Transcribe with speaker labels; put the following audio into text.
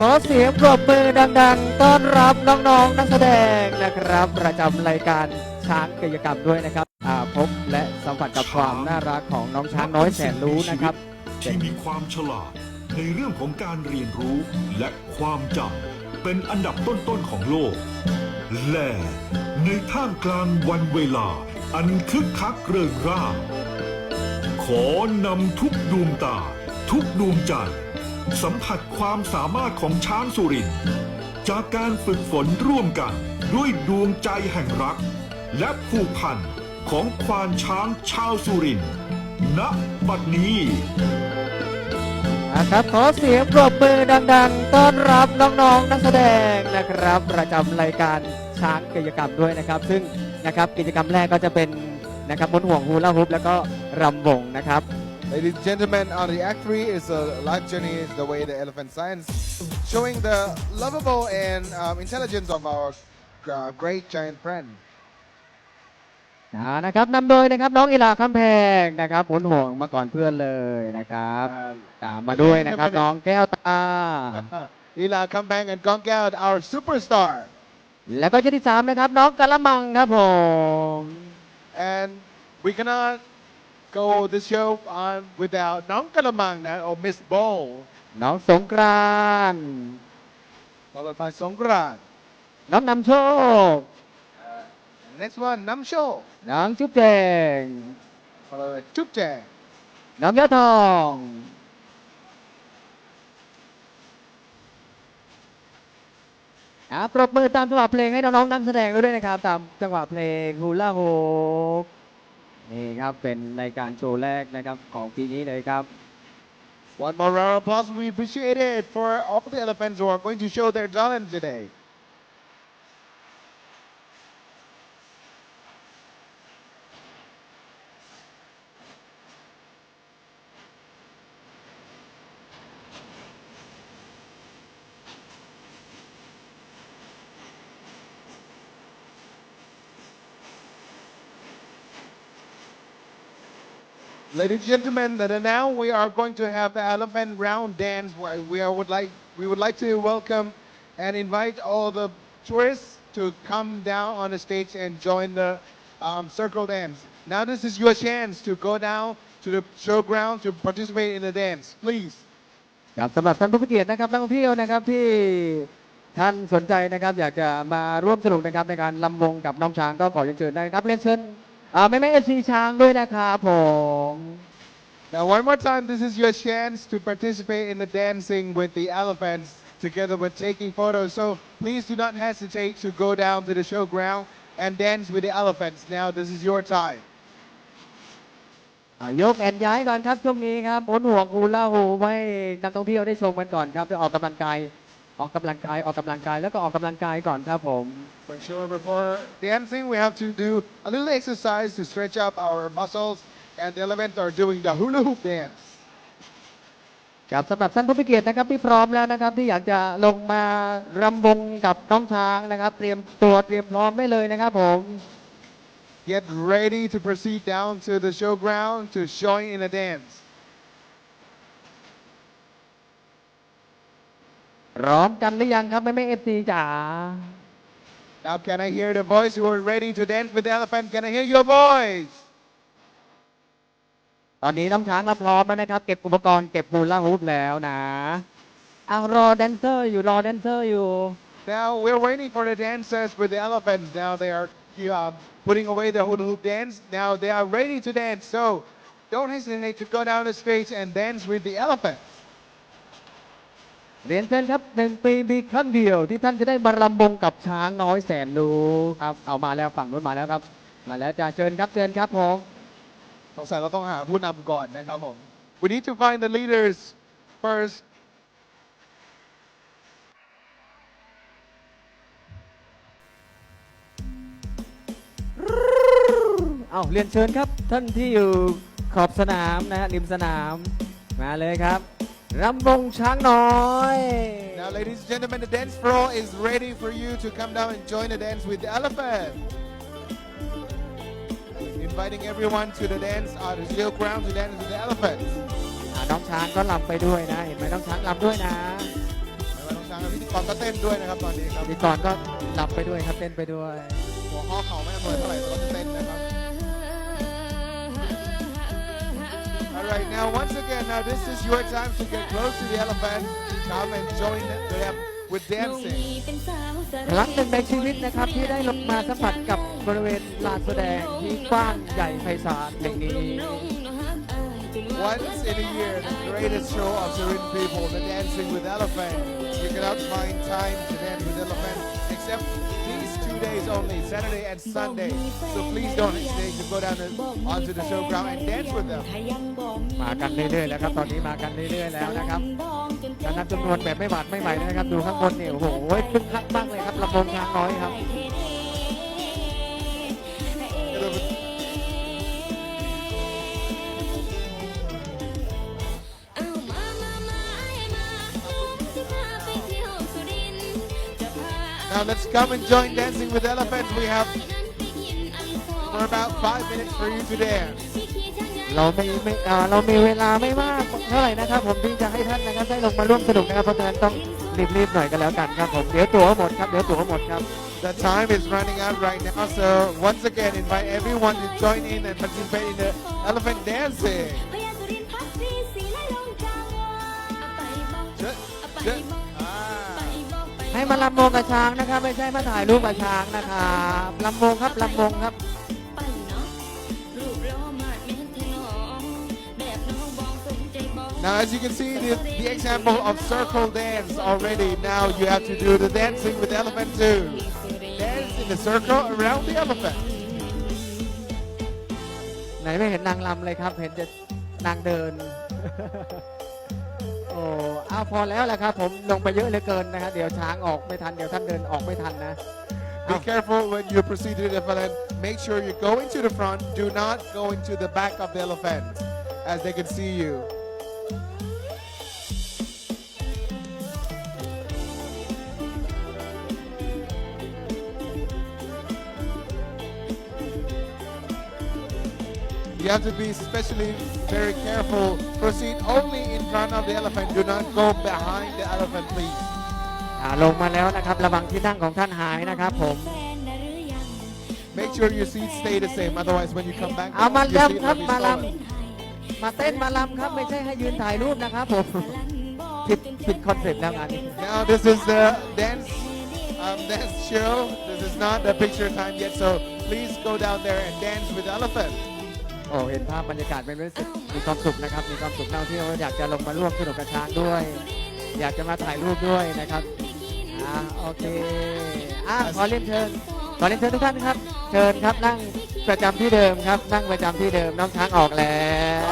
Speaker 1: ขอเสียงปรบมือดังๆต้อนรับน้องๆนักแสดงนะครับประจำรายการช้างกายกรรมด้วยนะครับพบและสัมผัสกับความน่ารักของน้องช้างน้อยแสนรู้นะครับ
Speaker 2: ที่มีความฉลาดในเรื่องของการเรียนรู้และความจำเป็นอันดับต้นๆของโลกและในท่ามกลางวันเวลาอันคึกคักเริงร่าขอนำทุกดวงตาทุกดวงใจสัมผัสความสามารถของช้างสุรินทร์จากการฝึกฝนร่วมกันด้วยดวงใจแห่งรักและผูกพันของควานช้างชาวสุรินทร์ณ บัดนี้
Speaker 1: ครับขอเสียงปรบมือดังๆต้อนรับน้องๆนักแสดงนะครับประจำรายการช้างกายกรรมด้วยนะครับซึ่งนะครับกิจกรรมแรกก็จะเป็นนะครับม้วนห่วงฮูลาฮูปแล้วก็รำวงนะครับ
Speaker 3: Ladies and gentlemen, on the Act 3 is a life journey the way the elephant science, showing the lovable and intelligence of our great giant friend.
Speaker 1: นะครับนำโดยนะครับน้องอิลาคำแพงนะครับม้วนห่วงมาก่อนเพื่อนเลยนะครับตามมาด้วยนะครับน้องแก้วตา
Speaker 3: Ila Kampang and Gongkao, our superstar.
Speaker 1: แล้วก็ชุดที่3นะครับน้องกะละมังครับผม
Speaker 3: And we cannot go this show on without Nong Kalamang or Miss Bowl.
Speaker 1: น้องสงกรานต์
Speaker 3: Followed by Songkran.
Speaker 1: น้องนำโชค
Speaker 3: Next one, Nam Sho.
Speaker 1: น้องจุ๊บแจง
Speaker 3: Followed by Chup Jang.
Speaker 1: น้องยอดทองปรบมือตามจังหวะเพลงให้น้องๆนักแสดงด้วยนะครับตามจังหวะเพลงฮูลาโฮปนี่ครับเป็นรายการโชว์แรกนะครับของปีนี้เลยครับ
Speaker 3: One more round of applause. We appreciate it for all the elephants who are going to show their talent today. Ladies and gentlemen, now we are going to have the elephant round dance where we would like to welcome and invite all the tourists to come down on the stage and join the circle dance. Now this is your chance to go down to the showground to participate in the dance. Please.
Speaker 1: ครับสำหรับท่านผู้เกียรตินะครับนักท่องเที่ยวนะครับที่ท่านสนใจนะครับอยากจะมาร่วมสนุกนะครับในการลำวงกับน้องช้างก็ขอเรียนเชิญได้ครับเรียนเชิญแม่เอฟซีช้างด้วยนะครับผม
Speaker 3: Now one more time, this is your chance to participate in the dancing with the elephants together with taking photos. So please do not hesitate to go down to the showground and dance with the elephants. Now this is your time.
Speaker 1: ยกแอนย้ายก่อนครับช่วงนี้ครับม้วนห่วงฮูลาฮูปให้นักท่องเที่ยวได้ชมกันก่อนครับไปออกกำลังกายแล้วก็ออกกำลังกายก่อนครับผม
Speaker 3: For sure, before dancing, we have to do a little exercise to stretch up our muscles, and the elephants are doing the hula hoop dance.
Speaker 1: ครับสำหรับท่านผู้มีเกียรตินะครับที่พร้อมแล้วนะครับที่อยากจะลงมารำวงกับน้องช้างนะครับเตรียมตัวเตรียมพร้อมได้เลยนะครับผม
Speaker 3: Get ready to proceed down to the showground to join in the dance.
Speaker 1: พร้อมกันหรือยังครับแม่เอฟซีจ๋า
Speaker 3: Now can I hear the voice who are ready to dance with the elephant? Can I hear your voice?
Speaker 1: ตอนนี้น้องช้างรับพร้อมแล้วนะครับเก็บอุปกรณ์เก็บฮูลาฮูปแล้วนะเอารอแดนเซอร์อยู่
Speaker 3: Now we're waiting for the dancers with the elephants. Now they are putting away the hula hoop dance. Now they are ready to dance. So don't hesitate to go down the stage and dance with the elephant.
Speaker 1: เรียนเชิญครับ1 ปีมีครั้งเดียวที่ท่านจะได้มารำวงกับช้างน้อยแสนรู้ครับเอามาแล้วฝั่งนู้นมาแล้วครับมาแล้วจะเชิญครับผม
Speaker 3: สงสัยเราต้องหาผู้นำก่อนนะครับผม We need to find the leaders first.
Speaker 1: เอาเรียนเชิญครับท่านที่อยู่ขอบสนามนะฮะริมสนามมาเลยครับรำวงช้างน้อย
Speaker 3: Now ladies and gentlemen, the dance floor is ready for you to come down and join the dance with the elephant. Inviting everyone to the dance the showground to dance with the elephant.
Speaker 1: น้องช้างก็รำไปด้วยนะเห็นไหมน้องช้างรำด้วยนะ
Speaker 3: น้องช้างพิธีกรก็เต้นด้วยนะครับตอนนี้ครับ
Speaker 1: พิธีกรก็หลับไปด้วยครับเต้นไปด้วย
Speaker 3: หัวข้อเข่าไม่อำนวยเท่าไหร่แต่ก็จะเต้นนะครับ Alright, now once again, now this is your time to get close to the elephant. Come and join them with dancing.
Speaker 1: ครั้งหนึ่งในชีวิตนะครับที่ได้ลงมาสัมผัสกับบริเวณลานแสดงที่กว้างใหญ่ไพศาลแห่งนี้
Speaker 3: Once in a year, the greatest show of Surin people, the dancing with elephant. You cannot find time to dance with elephant except these 2 days only, Saturday and Sunday. So please don't hesitate to go down onto the showground and dance with them.
Speaker 1: มากันเรื่อยๆแล้วครับตอนนี้มากันเรื่อยๆแล้วนะครับการนับจำนวนแบบไม่หวาดไม่ไหวนะครับดูข้างบนเนี่ยโอ้โหคึกคักมากเลยครับลำวงช้างน้อยครับ
Speaker 3: Now let's come and join Dancing with Elephants. We have for about 5 minutes for you to dance.
Speaker 1: เรามีเวลาไม่มากเท่าไหร่นะครับผมที่จะให้ท่านนะครับได้ลงมาร่วมสนุกนะครับเพราะฉะนั้นต้องรีบๆหน่อยกันแล้วกันครับผมเดี๋ยวตั๋วหมดครับเดี๋ยวตั๋วหมดครับ
Speaker 3: The time is running out right now, so once again invite everyone to join in and participate in the elephant dancing.
Speaker 1: ให้มาลำวงกับช้างนะครับไม่ใช่มาถ่ายรูปกับช้างนะครับลำวงครับลำวงครับ
Speaker 3: Now, as you can see, the example of circle dance already. Now you have to do the dancing with the elephant too. Dance in the circle around the elephant.
Speaker 1: ไหนไม่เห็นนางลำเลยครับเห็นแต่นางเดิน โอ้เอาพอแล้วแหละครับผมลงไปเยอะเหลือเกินนะครับเดี๋ยวช้างออกไม่ทันเดี๋ยวท่านเดินออกไม่ทันนะ
Speaker 3: Be careful when you proceed to the elephant. Make sure you go into the front. Do not go into the back of the elephant, as they can see you. You have to be especially very careful. Proceed only in front of the elephant. Do not go behind the elephant, please.
Speaker 1: ลงมาแล้วนะครับระวังที่นั่งของท่านหายนะครับผม
Speaker 3: Make sure your seats stay the same. Otherwise, when you come back,
Speaker 1: เอามา
Speaker 3: your seat
Speaker 1: ลำครับ
Speaker 3: will be
Speaker 1: มาล
Speaker 3: stolen.
Speaker 1: ำมาเต้นมาลำครับไม่ใช่ให้ยืนถ่ายรูปนะครับผม ผิดคอนเซ็ปต์แล้วงานนี้
Speaker 3: Now this is the dance show. This is not the picture time yet. So please go down there and dance with the elephant.
Speaker 1: โอ้เห็นภาพบรรยากาศเป็นรู้สึกมีความสุขนะครับมีความสุขเท่าที่เราอยากจะลงมาร่วมสนุกกับช้างด้วย อยากจะมาถ่ายรูปด้วยนะครับโอเคขอเรียนเชิญทุกท่านครับเชิญครับนั่งประจำที่เดิมครับนั่งประจำที่เดิมน้องช้างออกแล้ว